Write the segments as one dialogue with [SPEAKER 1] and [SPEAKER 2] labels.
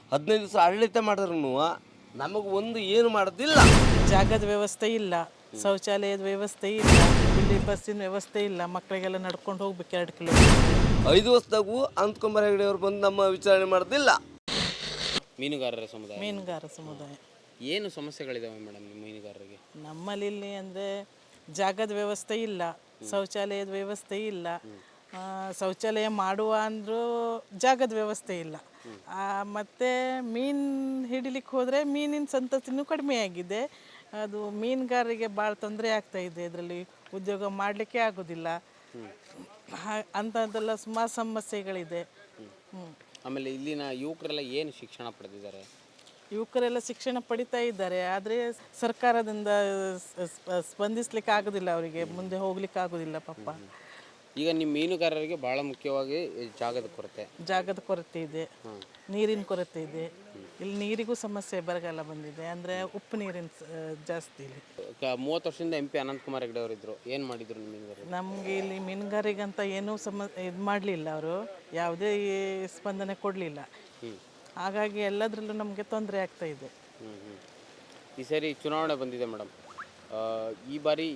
[SPEAKER 1] 15 ದಿವಸ ಆಡಳಿತ ಮಾಡಿದ್ರು ನಮಗೆ ಒಂದು ಏನು ಮಾಡೋದಿಲ್ಲ.
[SPEAKER 2] ಜಾಗದ ವ್ಯವಸ್ಥೆ ಇಲ್ಲ, ಶೌಚಾಲಯದ ವ್ಯವಸ್ಥೆ ಇಲ್ಲ, ಇಲ್ಲಿ ಬಸ್ಸಿನ ವ್ಯವಸ್ಥೆ ಇಲ್ಲ, ಮಕ್ಕಳಿಗೆಲ್ಲ ನಡ್ಕೊಂಡು ಹೋಗ್ಬೇಕು 2 ಕಿಲೋಮೀಟರ್.
[SPEAKER 1] 5 ವರ್ಷದಾಗೂ ಅನಂತಕುಮಾರ್ ಹೆಗಡೆ ಅವರು ಬಂದು ನಮ್ಮ ವಿಚಾರಣೆ ಮಾಡೋದಿಲ್ಲ.
[SPEAKER 3] ಮೀನುಗಾರರ ಸಮುದಾಯ
[SPEAKER 2] ಮೀನುಗಾರ ಸಮುದಾಯ
[SPEAKER 3] ಏನು ಸಮಸ್ಯೆಗಳಿದಾವೆ ಮೇಡಮ್ ನಿಮ್ಮ ಮೀನುಗಾರರಿಗೆ?
[SPEAKER 2] ನಮ್ಮಲ್ಲಿ ಇಲ್ಲಿ ಅಂದರೆ ಜಾಗದ ವ್ಯವಸ್ಥೆ ಇಲ್ಲ, ಶೌಚಾಲಯದ ವ್ಯವಸ್ಥೆ ಇಲ್ಲ, ಶೌಚಾಲಯ ಮಾಡುವ ಅಂದರೂ ಜಾಗದ ವ್ಯವಸ್ಥೆ ಇಲ್ಲ. ಮತ್ತು ಮೀನು ಹಿಡಿಲಿಕ್ಕೆ ಹೋದರೆ ಮೀನಿನ ಸಂತತಿನೂ ಕಡಿಮೆ ಆಗಿದೆ. ಅದು ಮೀನುಗಾರರಿಗೆ ಭಾಳ ತೊಂದರೆ ಆಗ್ತಾಯಿದೆ. ಇದರಲ್ಲಿ ಉದ್ಯೋಗ ಮಾಡಲಿಕ್ಕೆ ಆಗೋದಿಲ್ಲ. ಅಂಥದ್ದೆಲ್ಲ ಸುಮಾರು ಸಮಸ್ಯೆಗಳಿದೆ.
[SPEAKER 3] ಆಮೇಲೆ ಇಲ್ಲಿನ ಯುವಕರೆಲ್ಲ ಏನು ಶಿಕ್ಷಣ ಪಡೆದಿದ್ದಾರೆ?
[SPEAKER 2] ಯುವಕರೆಲ್ಲ ಶಿಕ್ಷಣ ಪಡಿತಾ ಇದ್ದಾರೆ, ಆದರೆ ಸರ್ಕಾರದಿಂದ ಸ್ಪಂದಿಸ್ಲಿಕ್ಕೆ ಆಗೋದಿಲ್ಲ, ಅವರಿಗೆ ಮುಂದೆ ಹೋಗ್ಲಿಕ್ಕೆ ಆಗೋದಿಲ್ಲ ಪಾಪ.
[SPEAKER 3] ಈಗ ನಿಮ್ಮ ಮೀನುಗಾರರಿಗೆ ಭಾಳ ಮುಖ್ಯವಾಗಿ ಜಾಗದ
[SPEAKER 2] ಕೊರತೆ ಇದೆ, ನೀರಿನ ಕೊರತೆ ಇದೆ. ಇಲ್ಲಿ ನೀರಿಗೂ ಸಮಸ್ಯೆ, ಬರಗಾಲ ಬಂದಿದೆ, ಅಂದರೆ ಉಪ್ಪು ನೀರಿನ ಜಾಸ್ತಿ ಇಲ್ಲಿ.
[SPEAKER 3] 30 ವರ್ಷದಿಂದ MP ಅನಂತಕುಮಾರ್ ಹೆಗಡೆ ಅವರು ಇದ್ರು, ಏನು ಮಾಡಿದ್ರು ನಿಮ್ಮ ಮೀನುಗಾರರು?
[SPEAKER 2] ನಮಗೆ ಇಲ್ಲಿ ಮೀನುಗಾರಿಗಂತ ಏನೂ ಇದು ಮಾಡಲಿಲ್ಲ, ಅವರು ಯಾವುದೇ ಸ್ಪಂದನೆ ಕೊಡಲಿಲ್ಲ. ಹಾಗಾಗಿ ಎಲ್ಲದರಲ್ಲೂ ನಮಗೆ ತೊಂದರೆ ಆಗ್ತಾ ಇದೆ.
[SPEAKER 3] ಈ ಸರಿ ಚುನಾವಣೆ ಬಂದಿದೆ ಮೇಡಮ್. ಈ ಬಾರಿ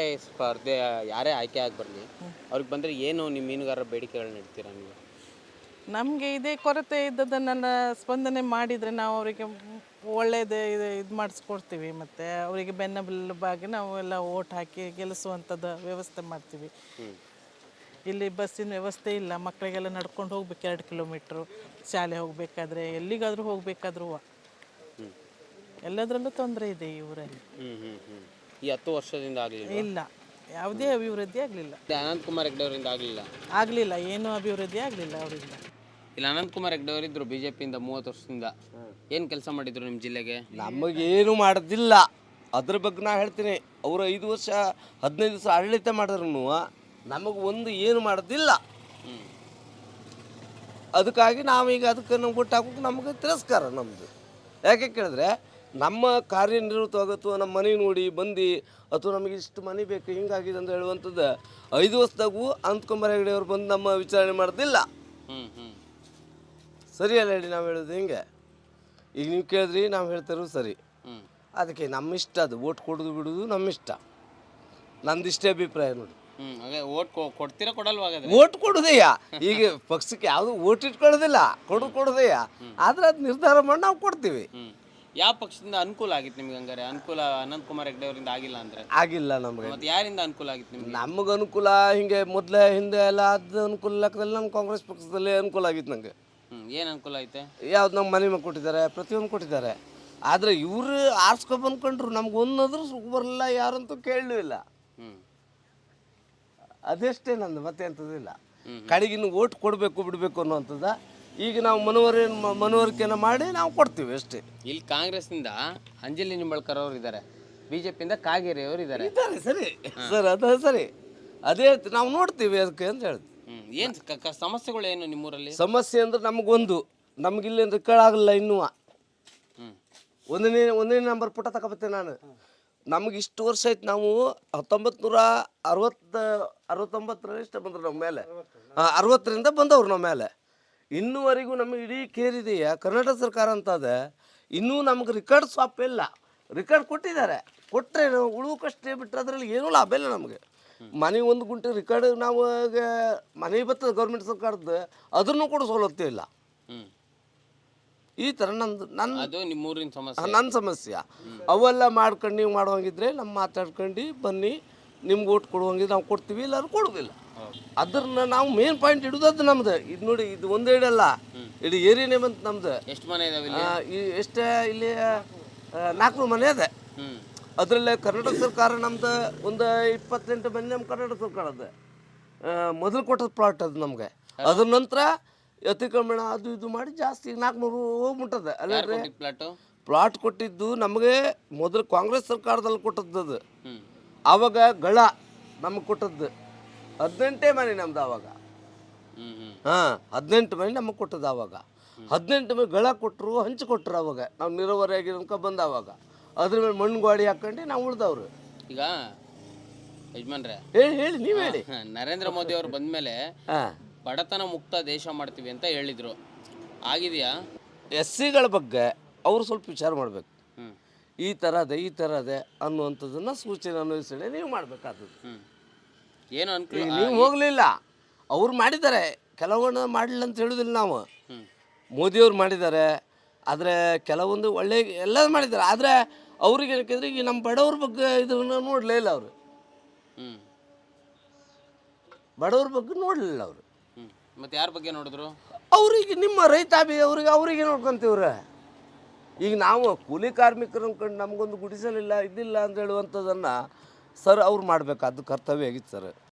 [SPEAKER 3] ಯಾರೇ ಆಯ್ಕೆ ಆಗಿ ಬರಲಿ, ಅವ್ರಿಗೆ ಬಂದರೆ ಏನು ನಿಮ್ಮ ಮೀನುಗಾರರ ಬೇಡಿಕೆಗಳನ್ನ ಇಡ್ತೀರಾ ನೀವು?
[SPEAKER 2] ನಮಗೆ ಇದೇ ಕೊರತೆ ಇದ್ದದನ್ನು ಸ್ಪಂದನೆ ಮಾಡಿದರೆ ನಾವು ಅವರಿಗೆ ಒಳ್ಳೆಯದೇ ಇದು ಮಾಡಿಸ್ಕೊಡ್ತೀವಿ. ಮತ್ತು ಅವರಿಗೆ ಬೆನ್ನೆಲುಬಾಗಿ ನಾವು ಎಲ್ಲ ಓಟ್ ಹಾಕಿ ಗೆಲ್ಲಿಸುವಂಥದ್ದು ವ್ಯವಸ್ಥೆ ಮಾಡ್ತೀವಿ. ಇಲ್ಲಿ ಬಸ್ಸಿನ ವ್ಯವಸ್ಥೆ ಇಲ್ಲ, ಮಕ್ಕಳಿಗೆಲ್ಲ ನಡ್ಕೊಂಡು ಹೋಗ್ಬೇಕು 2 ಕಿಲೋಮೀಟ್ರು. ಶಾಲೆ ಹೋಗಬೇಕಾದ್ರೆ, ಎಲ್ಲಿಗಾದರೂ ಹೋಗಬೇಕಾದ್ರೂ ಎಲ್ಲದರಲ್ಲೂ ತೊಂದರೆ ಇದೆ ಈ ಊರಲ್ಲಿ.
[SPEAKER 3] ಈ 10 ವರ್ಷದಿಂದ ಆಗಲಿಲ್ಲ?
[SPEAKER 2] ಇಲ್ಲ, ಯಾವುದೇ ಅಭಿವೃದ್ಧಿ ಆಗಲಿಲ್ಲ.
[SPEAKER 3] ಅನಂತಕುಮಾರ್ ಹೆಗಡೆ ಅವರಿಂದ
[SPEAKER 2] ಆಗಲಿಲ್ಲ, ಏನೂ ಅಭಿವೃದ್ಧಿ ಆಗಲಿಲ್ಲ ಅವರಿಂದ.
[SPEAKER 3] ಇಲ್ಲ, ಅನಂತಕುಮಾರ್ ಹೆಗಡೆ ಅವರಿದ್ರು BJPಯಿಂದ 30 ವರ್ಷದಿಂದ. ಏನು ಕೆಲಸ ಮಾಡಿದ್ರು ನಿಮ್ಮ ಜಿಲ್ಲೆಗೆ?
[SPEAKER 1] ನಮಗೇನು ಮಾಡೋದಿಲ್ಲ. ಅದ್ರ ಬಗ್ಗೆ ನಾ ಹೇಳ್ತೀನಿ, ಅವರು 5 ವರ್ಷ 15 ದಿವಸ ಆಡಳಿತ ಮಾಡಿದ್ರು ನಮಗೆ ಒಂದು ಏನು ಮಾಡೋದಿಲ್ಲ. ಅದಕ್ಕಾಗಿ ನಾವೀಗ ಅದಕ್ಕೆ ನಾವು ಒಟ್ಟು ಹಾಕೋಕೆ ನಮಗೆ ತಿರಸ್ಕಾರ ನಮ್ಮದು. ಯಾಕೆ ಕೇಳಿದ್ರೆ ನಮ್ಮ ಕಾರ್ಯನಿರತವಾಗಿ ಅಥವಾ ನಮ್ಮ ಮನೆ ನೋಡಿ ಬಂದು ಅಥವಾ ನಮಗೆ ಇಷ್ಟು ಮನೆ ಬೇಕು ಹಿಂಗಾಗಿದೆ ಅಂತ ಹೇಳುವಂಥದ್ದು 5 ವರ್ಷದಾಗೂ ಅನಂತಕುಮಾರ್ ಹೆಗಡೆ ಅವರು ಬಂದು ನಮ್ಮ ವಿಚಾರಣೆ ಮಾಡೋದಿಲ್ಲ. ಸರಿ ಅಲ್ಲ ಹೇಳಿ ನಾವು ಹೇಳೋದು ಹಿಂಗೆ? ಈಗ ನೀವು ಕೇಳಿದ್ರಿ, ನಾವು ಹೇಳ್ತಾರೋ ಸರಿ. ಅದಕ್ಕೆ ನಮ್ಮ ಇಷ್ಟ, ಅದು ಓಟ್ ಕೊಡೋದು ಬಿಡೋದು ನಮ್ಮ ಇಷ್ಟ. ನಂದು ಇಷ್ಟೇ ಅಭಿಪ್ರಾಯ ನೋಡಿ.
[SPEAKER 3] ಓಟ್ ಕೊಡ್ತೀರಾ ಕೊಡಲ್ವಾ?
[SPEAKER 1] ಓಟ್ ಕೊಡೋದಯ್ಯ, ಈಗ ಪಕ್ಷಕ್ಕೆ ಯಾವುದು ಓಟ್ ಇಟ್ಕೊಳ್ಳೋದಿಲ್ಲ, ಕೊಡೋದಯ್ಯ. ಆದ್ರೆ ಅದು ನಿರ್ಧಾರ ಮಾಡಿ ನಾವು ಕೊಡ್ತೀವಿ.
[SPEAKER 3] ಯಾವ ಪಕ್ಷದಿಂದ ಅನುಕೂಲ ಆಗಿತ್ತು ನಿಮ್ಗೆ? ಹಂಗಾರೆ ಅನುಕೂಲ ಅನಂತಕುಮಾರ್ ಹೆಗಡೆ ಅವರಿಂದ ಆಗಿಲ್ಲ ಅಂದ್ರೆ?
[SPEAKER 1] ಆಗಿಲ್ಲ ನಮಗೆ.
[SPEAKER 3] ಮತ್ತೆ ಯಾರಿಂದ ಅನುಕೂಲ ಆಗಿತ್ತು ನಿಮ್ಗೆ?
[SPEAKER 1] ನಮಗೆ ಅನುಕೂಲ ಹಿಂಗೆ ಮೊದಲೇ ಹಿಂದೆ ಎಲ್ಲ ಅದು ಅನುಕೂಲ ಲೆಕ್ಕದಲ್ಲಿ ನಮ್ಮ ಕಾಂಗ್ರೆಸ್ ಪಕ್ಷದಲ್ಲೇ ಅನುಕೂಲ ಆಗಿತ್ತು ನಂಗೆ.
[SPEAKER 3] ಏನು ಅನುಕೂಲ ಐತೆ?
[SPEAKER 1] ಯಾವ್ದು ನಮ್ಮ ಮನೆ ಮೇಲೆ ಕೊಟ್ಟಿದ್ದಾರೆ, ಪ್ರತಿಯೊಂದು ಕೊಟ್ಟಿದ್ದಾರೆ. ಆದರೆ ಇವರು ಆರಿಸ್ಕೊಂಡು ಬಂದ್ಕೊಂಡ್ರು, ನಮ್ಗೆ ಒಂದಾದ್ರೂ ಸುಖ ಬರಲಿಲ್ಲ, ಯಾರಂತೂ ಕೇಳಲೂ ಇಲ್ಲ. ಅದೆಷ್ಟೇ ನಂದು, ಮತ್ತೆ ಅಂಥದ್ದಿಲ್ಲ. ಕಡೆಗಿನ್ನು ಓಟ್ ಕೊಡಬೇಕು ಬಿಡಬೇಕು ಅನ್ನೋವಂಥದ್ದು. ಈಗ ನಾವು ಮನವರಿಕೆನ ಮಾಡಿ ನಾವು ಕೊಡ್ತೀವಿ ಅಷ್ಟೇ.
[SPEAKER 3] ಇಲ್ಲಿ ಕಾಂಗ್ರೆಸ್ನಿಂದ ಅಂಜಲಿ ನಿಂಬಳ್ಕರ್ ಅವರು ಇದ್ದಾರೆ, BJPಯಿಂದ ಕಾಗೇರಿ ಅವರು ಇದ್ದಾರೆ.
[SPEAKER 1] ಸರಿ ಸರ್, ಅದು ಸರಿ, ಅದೇ ನಾವು ನೋಡ್ತೀವಿ ಅದಕ್ಕೆ ಅಂತ ಹೇಳ್ತೀವಿ.
[SPEAKER 3] ಏನು ಸಮಸ್ಯೆಗಳು ಏನು ನಿಮ್ಮೂರಲ್ಲಿ? ಸಮಸ್ಯೆ
[SPEAKER 1] ಅಂದ್ರೆ ನಮಗಿಲ್ಲಿ ರೆಕಾರ್ಡ್ ಆಗಲ್ಲ ಇನ್ನೂ. ಒಂದನೇ ನಂಬರ್ ಪುಟ ತಗೊಬತ್ತೇನೆ ನಾನು. ನಮಗೆ ಇಷ್ಟು ವರ್ಷ ಆಯ್ತು, ನಾವು 1969 ಇಷ್ಟ ಬಂದ್ರು ನಮ್ಮ ಮೇಲೆ. 60ರಿಂದ ಬಂದವ್ರು ನಮ್ಮ ಮೇಲೆ. ಇನ್ನೂವರೆಗೂ ನಮಗೆ ಇಡೀ ಕೇರಿದೆಯ ಕರ್ನಾಟಕ ಸರ್ಕಾರ ಅಂತದೆ, ಇನ್ನೂ ನಮ್ಗೆ ರಿಕಾರ್ಡ್ ಸ್ವಾಪ್ ಇಲ್ಲ. ರಿಕಾರ್ಡ್ ಕೊಟ್ಟಿದ್ದಾರೆ, ಕೊಟ್ಟರೆ ಉಳುವಕ್ಕಷ್ಟೇ ಬಿಟ್ಟರೆ ಅದರಲ್ಲಿ ಏನೂ ಲಾಭ ಇಲ್ಲ ನಮಗೆ. ಮನೆ 1 ಗುಂಟೆ ರಿಕಾರ್ಡ್ ನಾವು ಮನೆ ಬರ್ತದೆ ಗೌರ್ಮೆಂಟ್ ಸರ್ಕಾರದ್ದು, ಅದನ್ನು ಕೂಡ ಸೌಲಭ್ಯ ಇಲ್ಲ. ಈ ಥರ ನನ್ನ ಸಮಸ್ಯೆ. ಅವೆಲ್ಲ ಮಾಡ್ಕೊಂಡು ನೀವು ಮಾಡುವಂಗಿದ್ರೆ ನಮ್ಮ ಮಾತಾಡ್ಕೊಂಡು ಬನ್ನಿ, ನಿಮ್ಗೆ ಓಟ್ ಕೊಡುವಂಗಿದ್ರೆ ನಾವು ಕೊಡ್ತೀವಿ, ಇಲ್ಲಾರು ಕೊಡೋದಿಲ್ಲ. ಅದನ್ನ ನಾವು ಮೇನ್ ಪಾಯಿಂಟ್ ಇಡೋದು ಅದು ನಮ್ದು. ಇದು ನೋಡಿ, ಇದು ಒಂದೇ ಇಡಲ್ಲ, ಇಡೀ ಏರಿಯಾನೇ ಬಂತು ನಮ್ದು.
[SPEAKER 3] ಎಷ್ಟು ಮನೆ ಇದಾವೆ?
[SPEAKER 1] ಎಷ್ಟೇ ಇಲ್ಲಿ 400 ಮನೆ ಇದೆ. ಅದರಲ್ಲೇ ಕರ್ನಾಟಕ ಸರ್ಕಾರ ನಮ್ದು ಒಂದು 28 ಮನೆ ನಮ್ಮ ಕರ್ನಾಟಕ ಸರ್ಕಾರದ ಮೊದಲು ಕೊಟ್ಟದ ಪ್ಲಾಟ್ ಅದು ನಮಗೆ. ಅದ್ರ ನಂತರ ಅತಿಕ್ರಮಣ ಅದು ಇದು ಮಾಡಿ ಜಾಸ್ತಿ 400 ಹೋಗ್ಬಿಟ್ಟದೆ. ಅಲ್ಲೇ ಪ್ಲಾಟ್ ಕೊಟ್ಟಿದ್ದು ನಮಗೆ ಮೊದಲು ಕಾಂಗ್ರೆಸ್ ಸರ್ಕಾರದಲ್ಲಿ ಕೊಟ್ಟದ್ದು ಅದು. ಆವಾಗ ಗಳ ನಮಗೆ ಕೊಟ್ಟದ್ದು 18 ಮನೆ ನಮ್ದು ಆವಾಗ. 18 ಮನೆ ನಮಗೆ ಕೊಟ್ಟದ್ದು ಆವಾಗ. 18 ಮನೆ ಗಳ ಕೊಟ್ಟರು, ಹಂಚಿಕೊಟ್ರು. ಅವಾಗ ನಾವು ನೀರಾವರಿ ಆಗಿರೋಕ ಬಂದ ಅವಾಗ ಅದ್ರ ಮೇಲೆ ಮಣ್ಣು ಗಾಡಿ ಹಾಕೊಂಡು ನಾವು ಉಳ್ದವ್ರು.
[SPEAKER 3] ಈಗ ಯಜಮಾನ್ರೆ
[SPEAKER 1] ಹೇಳಿ ನೀವು ಹೇಳಿ.
[SPEAKER 3] ನರೇಂದ್ರ ಮೋದಿ ಅವರು ಬಂದ್ಮೇಲೆ ಬಡತನ ಮುಕ್ತ ದೇಶ ಮಾಡ್ತೀವಿ ಅಂತ ಹೇಳಿದ್ರು, ಆಗಿದೆಯಾ?
[SPEAKER 1] ಎಸ್ ಸಿಗಳ ಬಗ್ಗೆ ಅವರು ಸ್ವಲ್ಪ ವಿಚಾರ ಮಾಡಬೇಕು.
[SPEAKER 3] ಹ್ಮ್
[SPEAKER 1] ಈ ಥರ ಅದೇ ಅನ್ನುವಂಥದ್ದನ್ನು ಸೂಚನೆ ಅನ್ವಯಿಸಣೆ ನೀವು ಮಾಡಬೇಕಾದದ್ದು.
[SPEAKER 3] ಹ್ಮ್ ಏನು ಅನ್ಕೂಲ
[SPEAKER 1] ಈಗ ನೀವು ಹೋಗಲಿಲ್ಲ, ಅವ್ರು ಮಾಡಿದ್ದಾರೆ, ಕೆಲವೊಂದು ಮಾಡಲಿಲ್ಲ ಅಂತ ಹೇಳೋದಿಲ್ಲ ನಾವು.
[SPEAKER 3] ಹ್ಮ್
[SPEAKER 1] ಮೋದಿಯವ್ರು ಮಾಡಿದ್ದಾರೆ, ಆದರೆ ಕೆಲವೊಂದು ಒಳ್ಳೆ ಎಲ್ಲ ಮಾಡಿದ್ದಾರೆ. ಆದರೆ ಅವ್ರಿಗೆ ಏನಕ್ಕೆಂದ್ರೆ ಈಗ ನಮ್ಮ ಬಡವ್ರ ಬಗ್ಗೆ ಇದನ್ನು ನೋಡಲೇ ಇಲ್ಲ ಅವರು.
[SPEAKER 3] ಹ್ಮ್
[SPEAKER 1] ಬಡವ್ರ ಬಗ್ಗೆ ನೋಡಲಿಲ್ಲ ಅವರು.
[SPEAKER 3] ಹ್ಮ್ ಮತ್ತೆ ಯಾರ ಬಗ್ಗೆ ನೋಡಿದ್ರು?
[SPEAKER 1] ಅವ್ರಿಗೆ ನಿಮ್ಮ ರೈತಾಪಿ ಅವರಿಗೆ ನೋಡ್ಕೊಂತೀವ್ರೆ. ಈಗ ನಾವು ಕೂಲಿ ಕಾರ್ಮಿಕರು ಅಂದ್ಕೊಂಡು ನಮಗೊಂದು ಗುಡಿಸಲಿಲ್ಲ ಇದಿಲ್ಲ ಅಂತ ಹೇಳುವಂಥದ್ದನ್ನು ಸರ್ ಅವ್ರು ಮಾಡಬೇಕಾದ್ದು ಕರ್ತವ್ಯ ಆಗಿತ್ತು ಸರ್.